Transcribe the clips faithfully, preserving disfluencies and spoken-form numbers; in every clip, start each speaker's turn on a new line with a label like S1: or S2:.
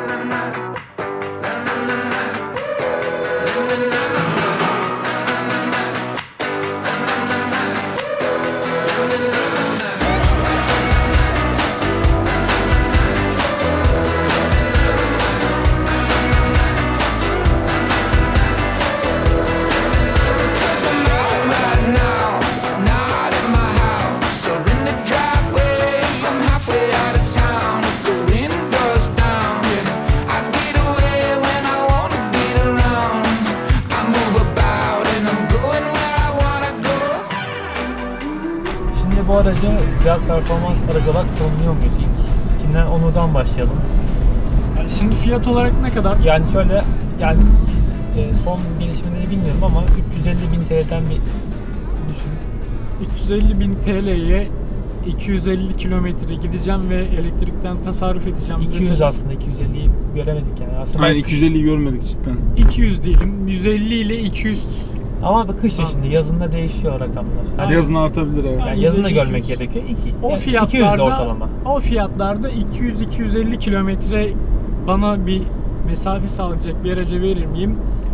S1: Bu aracı fiyat performans aracı olarak kullanıyor muyuz ilk? İkinden onurdan başlayalım.
S2: Yani şimdi fiyat olarak ne kadar?
S1: Yani şöyle, yani e, son gelişmeleri bilmiyorum ama üç yüz elli bin T L'den bir düşün.
S2: üç yüz elli bin T L'ye iki yüz elli kilometre gideceğim ve elektrikten tasarruf edeceğim.
S1: iki yüz
S2: Mesela
S1: aslında, iki yüz elliyi göremedik yani. Aslında
S3: Aynen iki yüz elliyi görmedik cidden.
S2: iki yüz diyelim. yüz elli ile iki yüz.
S1: ama bu kış şimdi, yazında değişiyor rakamlar.
S3: Hadi yazın artabilir evet.
S1: Yani yazında
S2: yüz elli,
S1: görmek
S2: iki yüz.
S1: gerekiyor. İki,
S2: O
S1: yani
S2: fiyatlarda
S1: iki yüz de ortalama.
S2: O fiyatlarda iki yüz iki yüz elli kilometre bana bir mesafe sağlayacak bir araca verir miyim?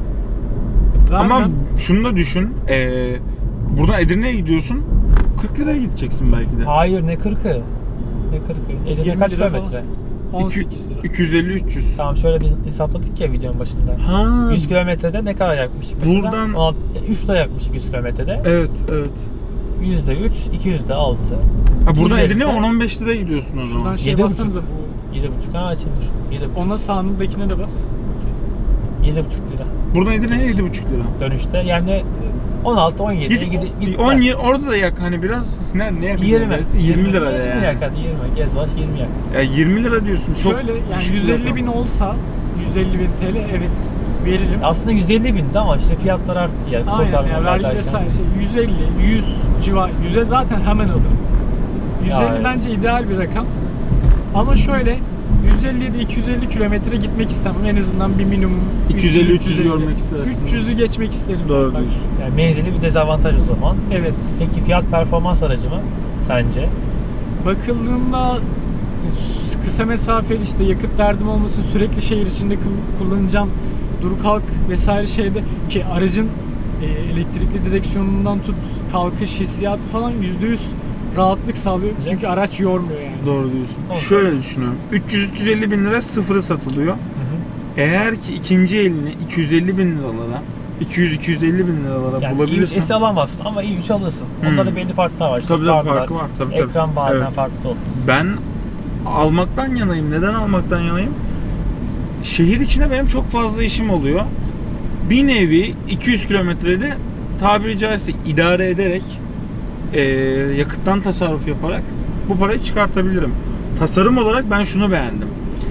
S2: Vermem.
S3: Ama şunu da düşün. Ee, buradan Edirne'ye gidiyorsun. kırk liraya gideceksin belki de.
S1: Hayır, ne kırkı? Ne kırkı? Edirne
S2: yirmi
S1: kaç
S2: lira
S1: kilometre?
S2: falan. on sekiz lira.
S3: iki yüz elli üç yüz.
S1: Tamam, şöyle biz hesapladık ya videonun başında.
S3: Ha.
S1: yüz kilometrede ne kadar yakmıştık mesela?
S3: Buradan-
S1: on altı, üç lira yakmıştık yüz kilometrede.
S3: Evet, evet.
S1: yüzde üç, iki yüzde altı.
S3: Ha, buradan
S1: iki yüz elli
S3: Edirne'ye on on beş liraya gidiyorsun o
S2: Şuradan
S3: zaman.
S2: şey
S1: Yedi
S2: bassanıza
S1: buçuk.
S2: bu.
S1: yedi buçuk. Ha, şimdi düşün. yedi buçuk.
S2: Ona sağındakine de bas.
S1: yedi buçuk lira.
S3: Buradan Edirne'ye yedi buçuk lira.
S1: Dönüşte yani
S2: Evet.
S1: on altı on yedi
S3: Git,
S1: gid, gid,
S3: on yirmi orada da yak hani biraz. Ne ne yakacağız?
S1: yirmi.
S3: yirmi lira
S1: yirmi
S3: yani.
S1: yak hadi, yirmi. Gez baş yirmi yak.
S3: Ya yirmi lira diyorsun. Çok
S2: Şöyle yani
S3: düşük
S2: yüz
S3: bir
S2: elli bin
S3: rakam.
S2: olsa yüz elli bin T L evet veririm.
S1: Aslında yüz elli bindi ama işte fiyatlar arttı ya.
S2: Aynen ya,
S1: kurtarmalar
S2: vergi
S1: derken.
S2: vesaire şey yüz elli yüz civar yüze zaten hemen alırım. yüz elli
S1: Ya, evet.
S2: bence ideal bir rakam. Ama şöyle yüz elli ile iki yüz elli kilometre gitmek istemem. En azından bir minimum
S3: iki yüz elli üç yüz görmek istersin.
S2: üç yüzü geçmek isterim.
S3: Doğru
S2: ben.
S3: diyorsun.
S1: Yani menzili bir dezavantaj o zaman.
S2: Evet.
S1: Peki fiyat performans aracı mı sence?
S2: Bakıldığında kısa mesafeli işte yakıt derdim olmasın, sürekli şehir içinde kul- kullanacağım, dur kalk vesaire şeyde ki aracın e, elektrikli direksiyonundan tut kalkış hissiyatı falan yüzde yüz rahatlık sağlıyor.
S1: Güzel.
S2: Çünkü araç yormuyor yani.
S3: Doğru diyorsun.
S1: Doğru.
S3: Şöyle düşünüyorum. üç yüz üç yüz elli bin lira sıfırı satılıyor. Eğer ki ikinci elini iki yüz elli bin liralara, iki yüz iki yüz elli bin liralara
S1: Yani i üç
S3: bulabilirsen.
S1: S alamazsın ama i üç alırsın.
S3: Hmm.
S1: Onların belli farklar var. İşte
S3: Tabii tabii
S1: farlar,
S3: farkı var. Tabii, tabii.
S1: ekran bazen
S3: Evet.
S1: farklı olur.
S3: Ben almaktan yanayım. Neden almaktan yanayım? Şehir içinde benim çok fazla işim oluyor. Bir nevi iki yüz kilometrede tabiri caizse idare ederek e, yakıttan tasarruf yaparak bu parayı çıkartabilirim. Tasarım olarak ben şunu beğendim.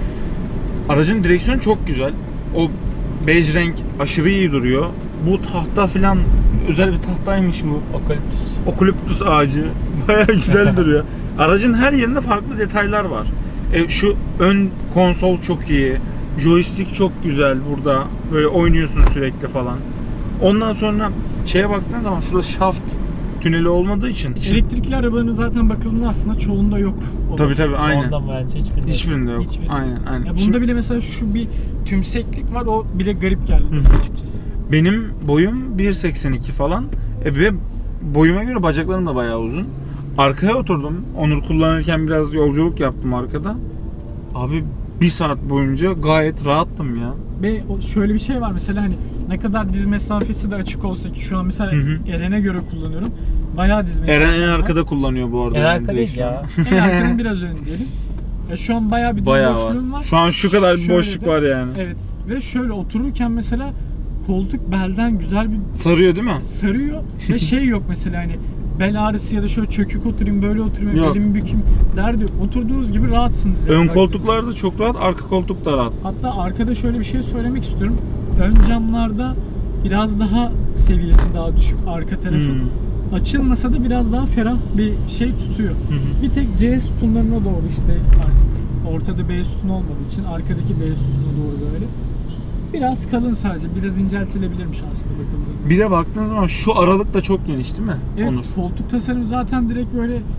S3: Aracın direksiyonu çok güzel. O bej renk aşırı iyi duruyor. Bu tahta filan özel bir tahtaymış bu.
S1: Okaliptüs.
S3: Okaliptus ağacı bayağı güzel duruyor. Aracın her yerinde farklı detaylar var. E, şu ön konsol çok iyi. Joystick çok güzel burada. Böyle oynuyorsun sürekli falan. Ondan sonra şeye baktığın zaman şurada şaft tüneli olmadığı için.
S2: Elektrikli arabanın zaten bakıldığında aslında çoğunda yok. O da.
S3: Tabii tabii aynen.
S1: Ondan bence hiçbirinde.
S3: Hiçbirinde yok.
S2: Hiçbirinde.
S3: Aynen aynen.
S2: Ya bunda
S3: Şimdi
S2: bile mesela şu bir tümseklik var, o bile garip geldi
S3: Hı.
S2: açıkçası.
S3: benim boyum bir seksen iki falan. E, ve boyuma göre bacaklarım da bayağı uzun. Arkaya oturdum. Onur kullanırken biraz yolculuk yaptım arkada. Abi bir saat boyunca gayet rahattım ya.
S2: Ve o- şöyle bir şey var mesela hani ne kadar diz mesafesi de açık olsa ki şu an mesela
S3: Hı hı.
S2: Eren'e göre kullanıyorum. Bayağı diz mesafesi
S3: Eren en
S2: var.
S3: arkada kullanıyor bu arada.
S1: En
S3: benim
S1: arka değil
S3: direksiyonu.
S1: ya.
S2: En arkanın biraz ön diyelim. Ya şu an bayağı bir diz
S3: Bayağı var.
S2: boşluğum var.
S3: Şu an şu kadar bir
S2: Şöyle
S3: boşluk
S2: de-
S3: var yani.
S2: Evet. Ve şöyle otururken mesela koltuk belden güzel bir
S3: Sarıyor değil mi?
S2: sarıyor ve şey yok mesela hani bel ağrısı ya da şöyle çökük oturayım böyle oturayım
S3: Yok.
S2: belimi bükeyim derdi yok. Oturduğunuz gibi rahatsınız. yani
S3: Ön
S2: baktığınız.
S3: koltuklar da çok rahat, arka koltuk da rahat.
S2: Hatta arkada şöyle bir şey söylemek istiyorum. Ön camlarda biraz daha seviyesi daha düşük arka tarafı.
S3: Hmm.
S2: Açılmasa da biraz daha ferah bir şey tutuyor.
S3: Hı hı.
S2: Bir tek C sütunlarına doğru işte artık ortada B sütun olmadığı için arkadaki B sütununa doğru böyle. Biraz kalın sadece. Biraz inceltilebilirmiş aslında bakıldığında.
S3: Bir de baktığın zaman şu aralık da çok geniş değil mi?
S2: Evet,
S3: Onur.
S2: koltuk tasarımı zaten direkt böyle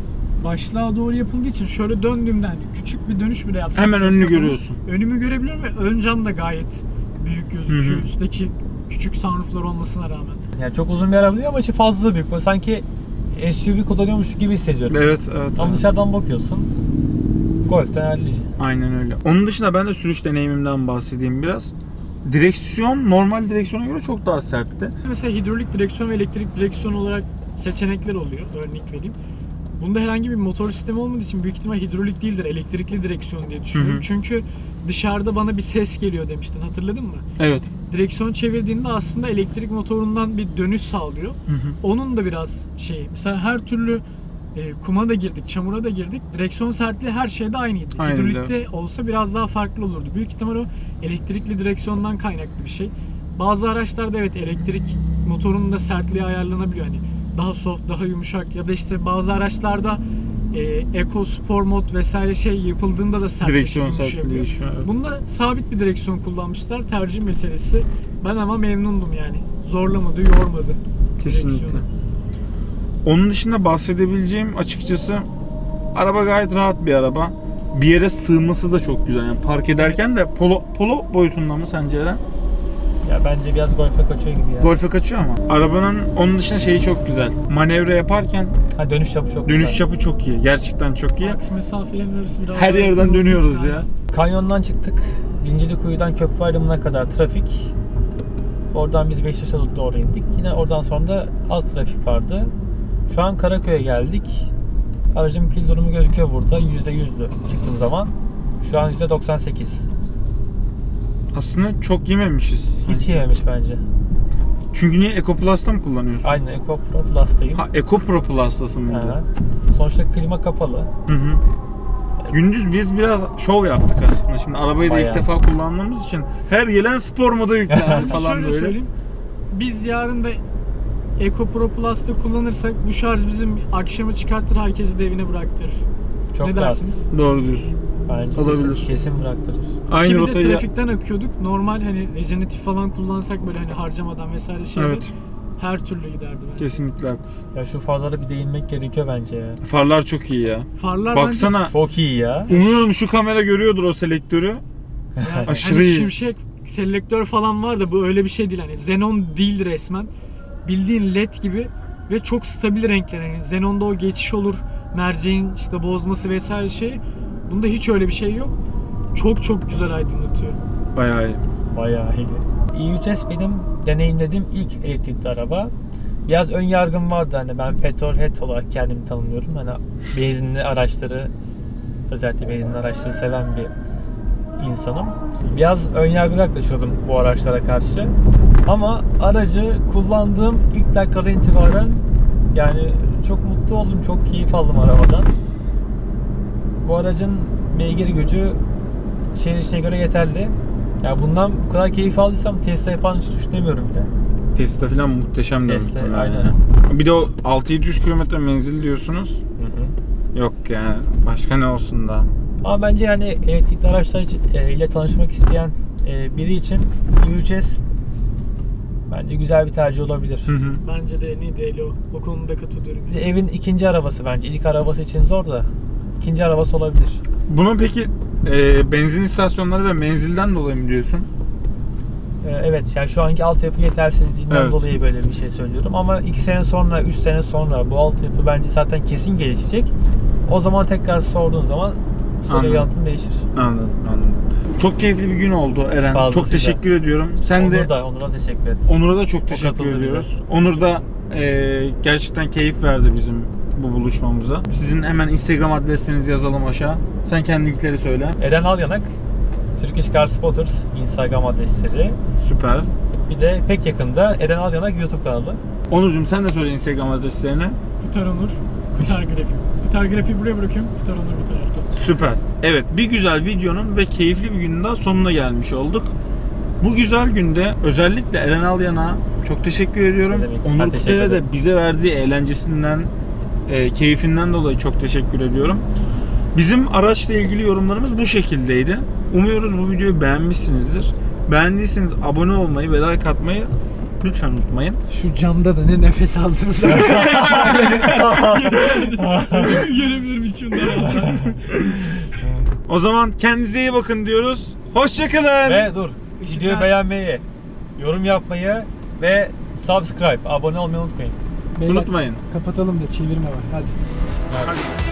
S2: başlığa doğru yapıldığı için şöyle döndüğümde hani küçük bir dönüş bile yapsam
S3: Hemen
S2: şöyle
S3: önünü
S2: kafamı-
S3: görüyorsun.
S2: Önümü görebiliyorum ve ön cam da gayet büyük gözüküyor.
S3: Hı hı.
S2: Üstteki küçük sunrooflar olmasına rağmen.
S1: Yani çok uzun bir araba değil ama içi fazla büyük. Böyle sanki S U V kullanıyormuş gibi hissediyorum.
S3: Evet, evet.
S1: Ama
S3: evet.
S1: dışarıdan bakıyorsun. Golf'ten hallice.
S3: Aynen öyle. Onun dışında ben de sürüş deneyimimden bahsedeyim biraz. Direksiyon normal direksiyona göre çok daha sertti.
S2: Mesela hidrolik direksiyon ve elektrik direksiyon olarak seçenekler oluyor. Örnek vereyim. Bunda herhangi bir motor sistemi olmadığı için büyük ihtimal hidrolik değildir, elektrikli direksiyon diye düşünüyorum.
S3: Hı hı.
S2: Çünkü dışarıda bana bir ses geliyor demiştin, hatırladın mı?
S3: Evet.
S2: Direksiyon çevirdiğinde aslında elektrik motorundan bir dönüş sağlıyor.
S3: Hı hı.
S2: Onun da biraz şey, mesela her türlü e, kuma da girdik, çamura da girdik. Direksiyon sertliği her şeyde aynıydı.
S3: Aynı,
S2: Hidrolikte olsa biraz daha farklı olurdu. Büyük ihtimal o elektrikli direksiyondan kaynaklı bir şey. Bazı araçlarda evet elektrik motorunun da sertliği ayarlanabiliyor. Hani daha soft, daha yumuşak ya da işte bazı araçlarda e, Eco Sport mod vesaire şey yapıldığında da sertleşiyor,
S3: Direksiyon
S2: yumuşayabiliyor.
S3: sertliği değişiyor. Evet.
S2: Bunda sabit bir direksiyon kullanmışlar. Tercih meselesi. Ben ama memnundum yani. Zorlamadı, yormadı.
S3: Kesinlikle.
S2: direksiyonu.
S3: Onun dışında bahsedebileceğim açıkçası araba gayet rahat bir araba. Bir yere sığması da çok güzel. Yani park ederken de polo, polo boyutunda mı sence Eren?
S1: Ya bence biraz Golf'e kaçıyor gibi ya.
S3: Golf'e kaçıyor ama. Arabanın onun dışında şeyi çok güzel. Manevra yaparken
S1: Ha, dönüş çapı çok
S3: dönüş
S1: güzel.
S3: çapı çok iyi. Gerçekten çok iyi.
S2: Aks mesafelerin arası biraz
S3: Her
S2: daha
S3: yerden
S2: yakın olduğu
S3: dönüyoruz
S2: için
S3: ya.
S2: aynen.
S1: Kanyondan çıktık. Zincirlikuyu'dan köprü ayrımına kadar trafik. Oradan biz Beşiktaş'a doğru indik. Yine oradan sonra da az trafik vardı. Şu an Karaköy'e geldik. Aracın pil durumu gözüküyor burada. yüzde yüzdü çıktığım zaman. Şu an yüzde doksan sekiz.
S3: Aslında çok yememişiz.
S1: Hiç yememiş bence.
S3: Çünkü niye Eco Plus'ta mı kullanıyorsun?
S1: Aynen Eco Pro Plus'tayım.
S3: Ha, Eco Pro Plus'tasın
S1: Aha.
S3: burada.
S1: Sonuçta klima kapalı.
S3: Hı hı. Gündüz biz biraz şov yaptık aslında. Şimdi arabayı da
S1: Bayağı.
S3: ilk defa kullandığımız için her gelen spor moda yüklendi falan
S2: Şöyle
S3: böyle.
S2: söyleyeyim. Biz yarın da Eco Pro Plus'ta kullanırsak bu şarj bizim akşamı çıkartır, herkesi de evine bıraktırır.
S1: Çok
S2: ne
S1: rahat.
S2: dersiniz?
S3: Doğru diyorsun.
S1: Bence
S3: Olabilir.
S1: kesin, kesin bıraktırır.
S3: Aynı
S2: Ki bir de
S3: rotayı...
S2: trafikten akıyorduk. Normal hani rejeneratif falan kullansak böyle hani harcamadan vesaire şeyde
S3: Evet.
S2: her türlü giderdi bence.
S3: Kesinlikle haklısın.
S1: Ya şu farlara bir değinmek gerekiyor bence ya.
S3: Farlar çok iyi ya.
S2: Farlar
S3: Baksana.
S1: Çok iyi ya.
S3: Umuyorum şu kamera görüyordur o selektörü.
S2: bence yani
S3: aşırı
S2: hani
S3: iyi.
S2: şimşek selektör falan var da bu öyle bir şey değil. Hani Xenon değil resmen. Bildiğin led gibi ve çok stabil renkler. Yani Xenon'da o geçiş olur, merceğin işte bozması vesaire şey. Bunda hiç öyle bir şey yok. Çok çok güzel aydınlatıyor.
S3: Bayağı iyi.
S1: Bayağı iyi. i üç S benim deneyimlediğim ilk elektrikli araba. Biraz ön yargım vardı, hani ben petrolhead olarak kendimi tanımlıyorum. Hani benzinli araçları, özellikle benzinli araçları seven bir insanım. Biraz ön yargılı yaklaşıyordum bu araçlara karşı. Ama aracı kullandığım ilk dakikadan itibaren yani çok mutlu oldum, çok keyif aldım arabadan. Bu aracın beygir gücü şehir içine göre yeterli. Ya bundan bu kadar keyif aldıysam Tesla'yı falan hiç düşünemiyorum bile.
S3: Tesla falan muhteşem de
S1: Tesla,
S3: muhtemelen.
S1: aynen.
S3: Bir de o altı yedi yüz kilometre menzil diyorsunuz.
S1: Hı hı.
S3: Yok yani başka ne olsun da.
S1: Ama bence yani elektrikli araçlar ile tanışmak isteyen e, biri için i üç S bence güzel bir tercih olabilir.
S3: Hı hı.
S2: Bence de en iyi değil o. O konuda katılıyorum.
S1: Bir de evin ikinci arabası bence. İlk arabası için zor da ikinci arabası olabilir.
S3: Bunun peki e, benzin istasyonları ve menzilden dolayı mı diyorsun?
S1: E, evet yani şu anki altyapı yetersizliğinden
S3: Evet.
S1: dolayı böyle bir şey söylüyorum. Ama iki sene sonra, üç sene sonra bu altyapı bence zaten kesin gelişecek. O zaman tekrar sorduğun zaman soru
S3: Anladım.
S1: yanıtın değişir.
S3: Anladım, anladım. Çok keyifli bir gün oldu Eren.
S1: Fazlasıyla.
S3: Çok teşekkür ediyorum. Sen
S1: Onur
S3: de
S1: da, Onur'a teşekkür et.
S3: Onur'a da çok teşekkür
S1: katıldı
S3: ediyoruz.
S1: bize.
S3: Onur da e, gerçekten keyif verdi bizim bu buluşmamıza. Sizin hemen Instagram adreslerinizi yazalım aşağı. Sen kendi linkleri söyle.
S1: Eren Alyanak, Turkish Car Spotters Instagram adresleri.
S3: Süper.
S1: Bir de pek yakında Eren Alyanak YouTube kanalı.
S3: Onurcuğum sen de söyle Instagram adreslerini.
S2: Kutar Onur, Kutar Grafik. Kutar Grafik'i buraya bırakıyorum. Kutar Onur bu tarafta.
S3: Süper. Evet, bir güzel videonun ve keyifli bir günün daha sonuna gelmiş olduk. Bu güzel günde özellikle Eren Alyan'a çok teşekkür ediyorum.
S1: Ne demek, ben
S3: Onur
S1: teşekkür
S3: Kutay'a da
S1: ederim.
S3: bize verdiği eğlencesinden, e, keyfinden dolayı çok teşekkür ediyorum. Bizim araçla ilgili yorumlarımız bu şekildeydi. Umuyoruz bu videoyu beğenmişsinizdir. Beğendiyseniz abone olmayı ve like atmayı Lütfen unutmayın.
S2: Şu camda da ne nefes aldınız. Görebilirim içimden.
S3: O zaman kendinize iyi bakın diyoruz. Hoşçakalın.
S1: Ve dur,
S2: Işıklar-
S1: videoyu beğenmeyi, yorum yapmayı ve subscribe, abone olmayı unutmayın.
S2: Beyler,
S3: Unutmayın.
S2: kapatalım da çevirme var. Hadi.
S1: Evet.